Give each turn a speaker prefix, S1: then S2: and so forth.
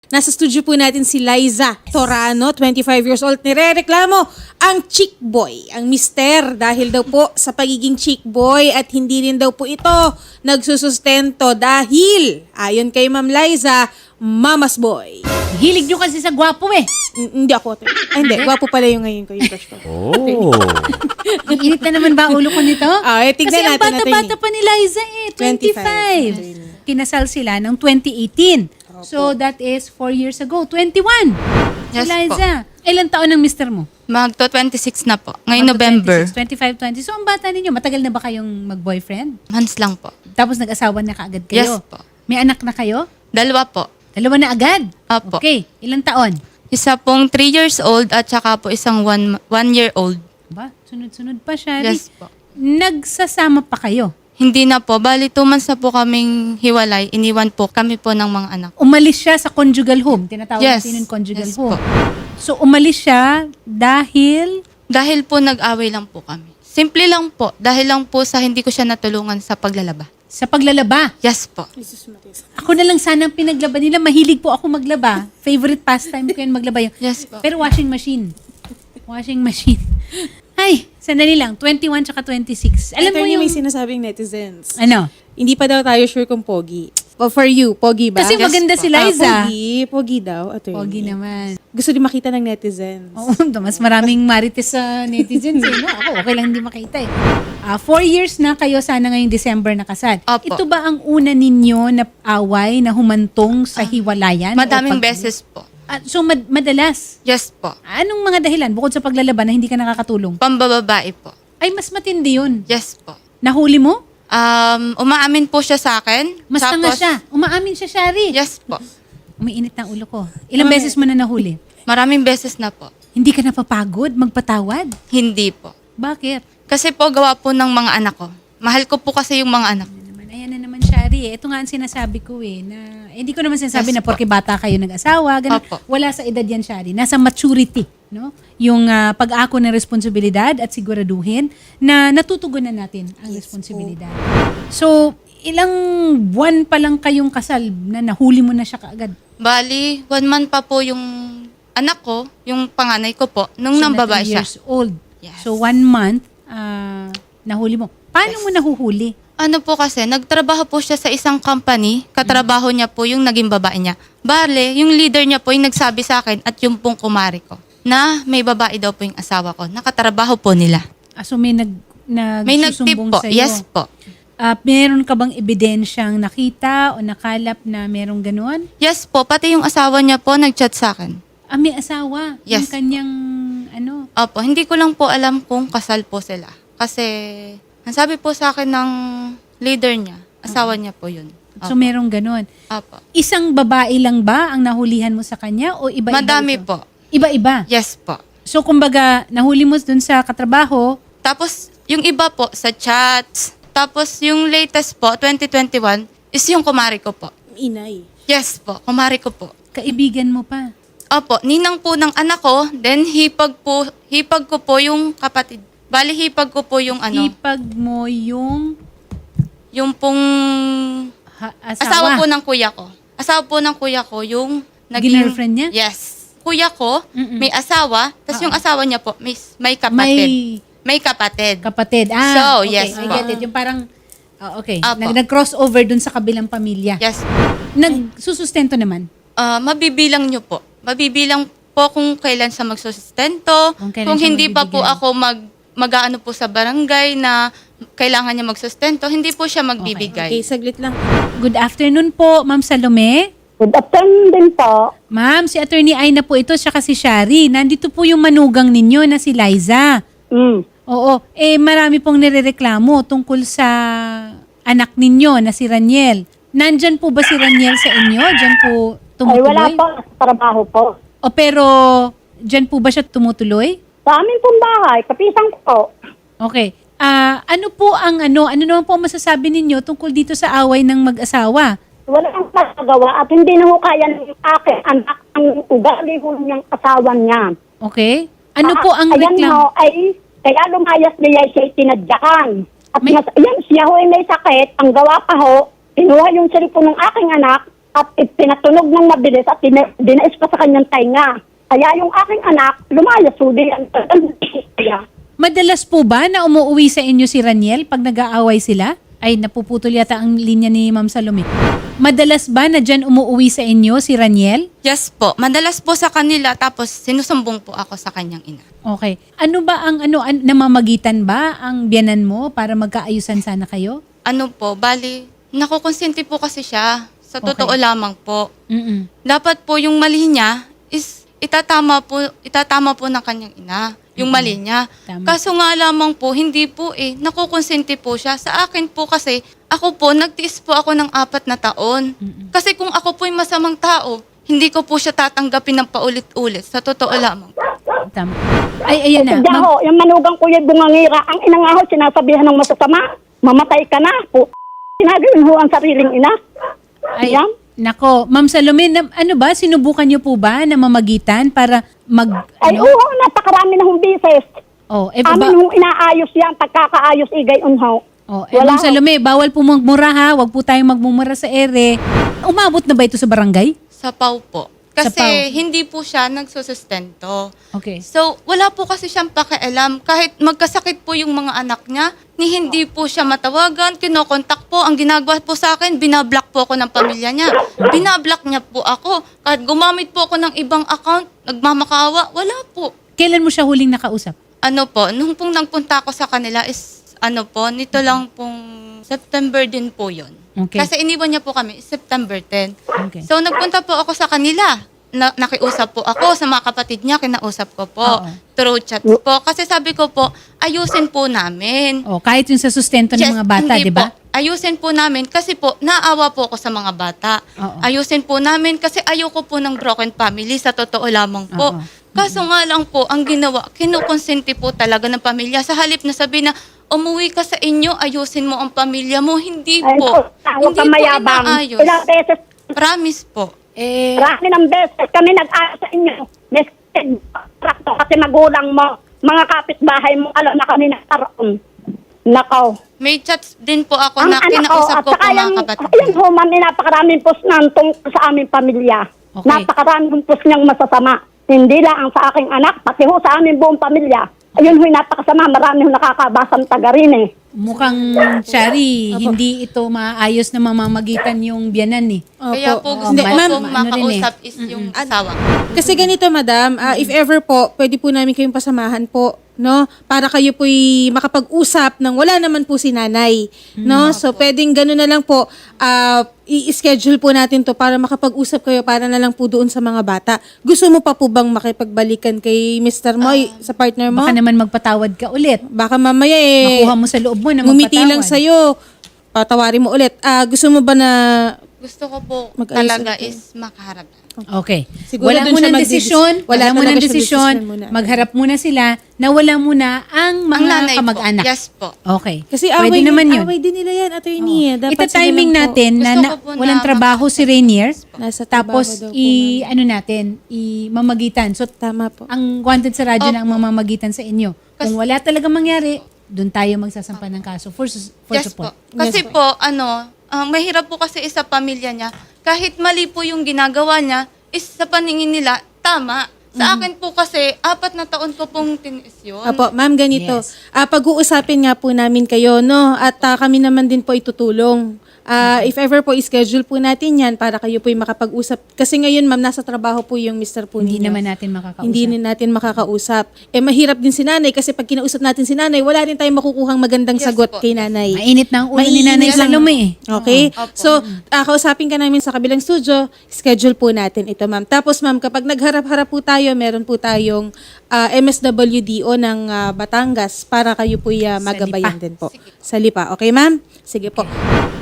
S1: Nasa studio po natin si Liza Torano, 25 years old. Nirereklamo ang chick boy, ang mister, dahil daw po sa pagiging chick boy at hindi rin daw po ito nagsusustento dahil, ayon kay Ma'am Liza, mama's boy.
S2: Hilig nyo kasi sa gwapo eh.
S1: Hindi ako. Hindi, gwapo pala yung ngayon ko, yung crush ko.
S3: Oh.
S2: Ang init na naman ba ulo ko nito?
S1: Tignan
S2: Kasi ang
S1: natin,
S2: bata-bata pa ni Liza eh, 25. Kinasal sila noong 2018. So that is 4 years ago, 21.
S4: Yes
S2: Si Liza, ilang taon ng mister mo?
S4: Magto 26 na po. Ngayong November.
S2: 25, 20. So ang bata ninyo, matagal na ba kayong mag-boyfriend?
S4: Months lang po.
S2: Tapos nag-asawa na kaagad kayo?
S4: Yes po.
S2: May anak na kayo?
S4: 2 po.
S2: Dalawa na agad?
S4: Opo.
S2: Okay, ilang taon?
S4: Isa pong 3 years old at saka po isang 1 year old.
S2: Ba, sunod-sunod pa siya.
S4: Yes po.
S2: Nagsasama pa kayo?
S4: Hindi na po. Bali, 2 months na po kaming hiwalay. Iniwan po kami po ng mga anak.
S2: Umalis siya sa conjugal home. Tinatawag
S4: Yes.
S2: natin yung conjugal
S4: Yes
S2: home.
S4: po.
S2: So umalis siya dahil
S4: Dahil po nag-away lang po kami. Simple lang po. Dahil lang po sa hindi ko siya natulungan sa paglalaba.
S2: sa paglalaba.
S4: Yes po.
S2: Ako na lang sana ang pinaglaba nila. Mahilig po ako maglaba. Favorite pastime ko yun maglaba yun.
S4: Yes po.
S2: Pero washing machine. Washing machine. Ay, sandali lang. 21 tsaka 26. Alam mo yung...
S1: may sinasabing netizens.
S2: Ano?
S1: Hindi pa daw tayo sure kung pogi. But for you, pogi ba?
S2: Kasi maganda si Liza.
S1: Pogi daw. Attorney.
S2: Pogi naman.
S1: Gusto din makita ng netizens.
S2: Oo, mas maraming marites sa netizens eh. No? Ako, okay lang hindi makita eh. 4 years na kayo sana ngayong December nakasal.
S4: Opo.
S2: Ito ba ang una ninyo na away na humantong sa hiwalayan?
S4: Madaming
S2: O
S4: beses po.
S2: So madalas?
S4: Yes po.
S2: Anong mga dahilan bukod sa paglalaban na hindi ka nakakatulong?
S4: Pambababae po.
S2: Ay, mas matindi yun.
S4: Yes po.
S2: Nahuli mo?
S4: Umaamin po siya sa akin.
S2: Mas tanga siya. Umaamin siya, Shari.
S4: Yes po.
S2: Umiinit ng ulo ko. Ilang beses mo na nahuli?
S4: Maraming beses na po.
S2: Hindi ka napapagod magpatawad?
S4: Hindi po.
S2: Bakit?
S4: Kasi po gawa po ng mga anak ko. Mahal ko po kasi yung mga anak.
S2: Ayan na naman, Shari. Ito nga ang sinasabi ko eh. Na, hindi ko naman sinasabi
S4: Yes,
S2: na porke bata kayo nag-asawa. Ganun.
S4: Opo.
S2: Wala sa edad yan, Shari. Nasa maturity. No? Yung pag-ako ng responsibilidad at siguraduhin na natutugunan natin ang responsibilidad. So, ilang buwan pa lang kayong kasal na nahuli mo na siya kaagad?
S4: Bali, 1 month pa po yung anak ko, yung panganay ko po, nung
S2: So,
S4: nang
S2: na
S4: babae
S2: 3
S4: siya.
S2: years old.
S4: Yes.
S2: So, 1 month, nahuli mo. Paano mo nahuhuli?
S4: Ano po kasi, nagtrabaho po siya sa isang company, katrabaho niya po yung naging babae niya. Bale, yung leader niya po yung nagsabi sa akin at yung pong kumari ko, na may babae daw po yung asawa ko, nakatrabaho po nila.
S2: So, may
S4: May nagtip
S2: nagsusumbong
S4: po,
S2: sa'yo.
S4: yes po.
S2: Meron ka bang ebidensyang nakita o nakalap na merong ganon?
S4: Yes po, pati yung asawa niya po nagchat sa akin.
S2: May asawa.
S4: Yes.
S2: Yung kanyang, ano?
S4: Opo, hindi ko lang po alam kung kasal po sila. Kasi, ang sabi po sa akin ng leader niya, asawa niya po yun.
S2: So, merong ganon.
S4: Opo.
S2: Isang babae lang ba ang nahulihan mo sa kanya o iba-iba
S4: Madami
S2: ito?
S4: po.
S2: Iba-iba?
S4: Yes po.
S2: So, kumbaga, nahuli mo dun sa katrabaho,
S4: Tapos, yung iba po sa chats. Tapos, yung latest po, 2021, is yung kumari ko po.
S1: Inay.
S4: Yes po, kumari ko po.
S2: kaibigan mo pa.
S4: Opo, ninang po ng anak ko, then hipag ko po yung kapatid. Bali, hipag ko po yung ano,
S2: Ipag mo yung
S4: yung pong asawa po ng kuya ko. Asawa po ng kuya ko yung naging...
S2: Girlfriend niya?
S4: Yes. Kuya ko,
S2: Mm-mm.
S4: may asawa, tapos yung asawa niya po, may kapatid. May kapatid.
S2: Kapatid.
S4: So,
S2: Okay,
S4: yes
S2: I
S4: po.
S2: get it. Yung parang, okay,
S4: Apo.
S2: nag-crossover dun sa kabilang pamilya.
S4: Yes.
S2: Nagsusustento naman.
S4: Mabibilang nyo po. Mabibilang po kung kailan siya magsusustento.
S2: Kung kailan
S4: Kung
S2: siya
S4: hindi pa po
S2: magbibigay.
S4: ako mag-aano po sa barangay na kailangan niya magsustento, hindi po siya magbibigay.
S1: Okay, saglit lang.
S2: Good afternoon po, Ma'am Salome.
S5: Good afternoon din po.
S2: Ma'am, si Attorney Aina po ito, siya si Shari. Nandito po yung manugang ninyo na si Liza. Oo. Marami pong nirereklamo tungkol sa anak ninyo na si Raniel. Nandyan po ba si Raniel sa inyo? Diyan po
S5: Ay,
S2: tumutuloy?
S5: wala po. Sa trabaho po.
S2: Pero diyan po ba siya tumutuloy?
S5: Sa amin pong bahay, kapisang ko po.
S2: Okay. Ano po ang ano naman po ang masasabi ninyo tungkol dito sa away ng mag-asawa?
S5: Wala ang magagawa at hindi na ho kaya ng aking anak ang ugali ho niyang asawa niya.
S2: Okay? Ano po ang
S5: Ayan
S2: reklamo?
S5: ho, ay kaya lumayas niya siya tinadyakan. At
S2: May-
S5: ayan, siya ho ay may sakit. Ang gawa pa ho, kinuha yung cellphone ng aking anak, at pinatunog ng mabilis at dinais pa sa kanyang tainga. Kaya yung aking anak, lumayas huli ang kaya.
S2: Madalas po ba na umuwi sa inyo si Raniel pag nag-aaway sila? Ay, napuputol yata ang linya ni Ma'am Salome. Madalas ba na dyan umuwi sa inyo si Raniel?
S4: Yes po. Madalas po sa kanila tapos sinusumbong po ako sa kanyang ina.
S2: Okay. Ano ba ang namamagitan ba ang biyanan mo para magkaayusan sana kayo?
S4: Ano po, bali, nakukonsinti po kasi siya. Sa totoo
S2: Okay.
S4: lamang po.
S2: Mm-mm.
S4: Dapat po yung mali niya is itatama po ng kanyang ina. Yung mali niya.
S2: Tama.
S4: Kaso nga lamang po, hindi po nakukonsente po siya. Sa akin po kasi, ako po, nagtiis po ako ng 4 na taon. Kasi kung ako po yung masamang tao, hindi ko po siya tatanggapin ng paulit-ulit. Sa totoo lamang.
S2: Tama. Ay, ayan na.
S5: Kaya
S2: Ma'am,
S5: ho, yung manugang kuya bungangira, ang ina nga ho, sinasabihan ng masasama, mamatay ka na po. Sinagawin ho ang sariling ina.
S2: ay,
S5: Yan.
S2: nako. Ma'am Salome, ano ba? Sinubukan niyo po ba na mamagitan para
S5: Ay, oo, napakarami na hong bises.
S2: Oh,
S5: Amin hong inaayos yan, pagkakaayos igay unhaw.
S2: Oh,
S5: Wala
S2: Ma'am Salome, bawal po magmura ha. Huwag po tayong magmumura sa ere. Umabot na ba ito sa barangay?
S4: Sa PAW po.
S2: Sa
S4: Kasi
S2: PAW.
S4: hindi po siya nagsusustento.
S2: Okay.
S4: So, wala po kasi siyang pakialam. Kahit magkasakit po yung mga anak niya, ni hindi po siya matawagan, kinokontak po. Ang ginagawa po sa akin, binablock po ako ng pamilya niya. Binablock niya po ako. Kahit gumamit po ako ng ibang account, nagmamakaawa, wala po.
S2: Kailan mo siya huling nakausap?
S4: Ano po, nung pong nagpunta ako sa kanila is, ano po, nito lang pong September din po yun.
S2: Okay.
S4: Kasi iniwan niya po kami, September 10.
S2: Okay.
S4: So, nagpunta po ako sa kanila. Nakiusap po ako sa mga kapatid niya, kinausap ko po.
S2: Oo.
S4: Through chats po. Kasi sabi ko po, ayusin po namin.
S2: Oh, kahit yung sa sustento ng
S4: Yes,
S2: mga bata,
S4: hindi
S2: di ba?
S4: po. Ayusin po namin kasi po, naawa po ako sa mga bata.
S2: Oo.
S4: Ayusin po namin kasi ayoko po ng broken family, sa totoo lamang po.
S2: Oo.
S4: Kaso nga lang po, ang ginawa, kinukonsente po talaga ng pamilya. Sa halip na sabi na, umuwi ka sa inyo, ayusin mo ang pamilya mo. Hindi
S5: Ay,
S4: po.
S5: huwag
S4: Hindi
S5: ka
S4: po
S5: mayabang.
S4: inaayos.
S5: Ilang beses,
S4: Promise po.
S5: marami ng beses kami nag-aayos sa inyo. Trakto kasi magulang mo, mga kapitbahay mo, alam na kami nagkaroon. Nakaw.
S4: May chats din po ako
S5: Ang
S4: na
S5: anak ko,
S4: kinausap
S5: at
S4: ko po
S5: saka
S4: mga
S5: yung,
S4: kapatid.
S5: ayun ho, ma'am, napakaraming post nantong sa aming pamilya.
S2: Okay.
S5: Napakaraming post niyang masasama. Hindi lang ang sa aking anak, pati ho sa aming buong pamilya. Ayun ho, napakasama. Marami ho nakakabasang taga rin eh.
S2: Mukhang, Shari, hindi ito maayos na mamamagitan yung biyanan eh.
S4: Kaya po gusto
S1: Hindi,
S4: ko
S1: ma'am,
S4: pong
S2: ano rin
S4: makausap is yung asawa.
S1: Kasi ganito, madam, if ever po, pwede po namin kayong pasamahan po, no? Para kayo po'y makapag-usap ng wala naman po si nanay, no? So, pwedeng gano'n na lang po, i-schedule po natin to para makapag-usap kayo para na lang po doon sa mga bata. Gusto mo pa po bang makipagbalikan kay Mr. Moy, sa partner mo?
S2: Baka naman magpatawad ka ulit.
S1: Baka mamaya
S2: Makuha mo sa loob mo na
S1: ngumiti
S2: magpatawad.
S1: lang sa'yo, patawarin mo ulit. Gusto mo ba na
S4: Gusto ko po
S1: Mag-ayos
S4: talaga
S1: ulit.
S4: is makaharap.
S2: Okay.
S1: Siguro
S2: Wala
S1: dun siya
S2: munang desisyon. Wala
S1: talaga
S2: munang
S1: siyang
S2: desisyon.
S1: desisyon muna.
S2: Magharap muna sila na wala muna ang
S4: Ang
S2: mga
S4: nanay
S2: kamag-anak.
S4: po. Yes po.
S2: Okay.
S1: Kasi
S2: Pwede naman yun.
S1: away din nila yan, attorney. Dapat
S2: Ita-timing
S1: sila lang po
S2: natin na,
S4: Gusto ko po
S2: walang
S4: na
S2: trabaho si Rainier.
S1: nasa trabaho
S2: Tapos
S1: daw po, ma'am.
S2: ano natin, i-mamagitan. So
S1: Tama po.
S2: ang wanted sa radyo na ang mamamagitan sa inyo. Kung
S4: Kasi-
S2: wala talaga mangyari, doon tayo magsasampa ng kaso for
S4: Yes po.
S2: support.
S4: Kasi
S1: Yes
S4: po, mahirap po kasi sa pamilya niya. Kahit mali po yung ginagawa niya, is sa paningin nila, tama. Sa akin po kasi, 4 na taon ko pong tiniis yun.
S1: Apo, ma'am, ganito.
S2: Yes.
S1: Pag-uusapin nga po namin kayo, no? At kami naman din po itutulong. If ever po, i-schedule po natin yan para kayo po makapag-usap. Kasi ngayon, ma'am, nasa trabaho po yung Mr. po
S2: Hindi
S1: ninyo.
S2: naman natin makakausap.
S1: Hindi din natin makakausap. Mahirap din si nanay kasi pag kinausap natin si nanay, wala din tayong makukuhang magandang
S4: Yes
S1: sagot
S4: po.
S1: kay nanay.
S2: Mainit na ang ulo ni
S1: Mainit
S2: Nanay
S1: lang.
S2: Salome eh.
S1: Okay?
S4: Opo.
S1: So, kausapin ka namin sa kabilang studio, schedule po natin ito, ma'am. Tapos, ma'am, kapag nagharap-harap po tayo, meron po tayong MSWDO ng Batangas para kayo po magabayan
S2: Lipa.
S1: din po. Sa Lipa. Okay, ma'am? Sige po.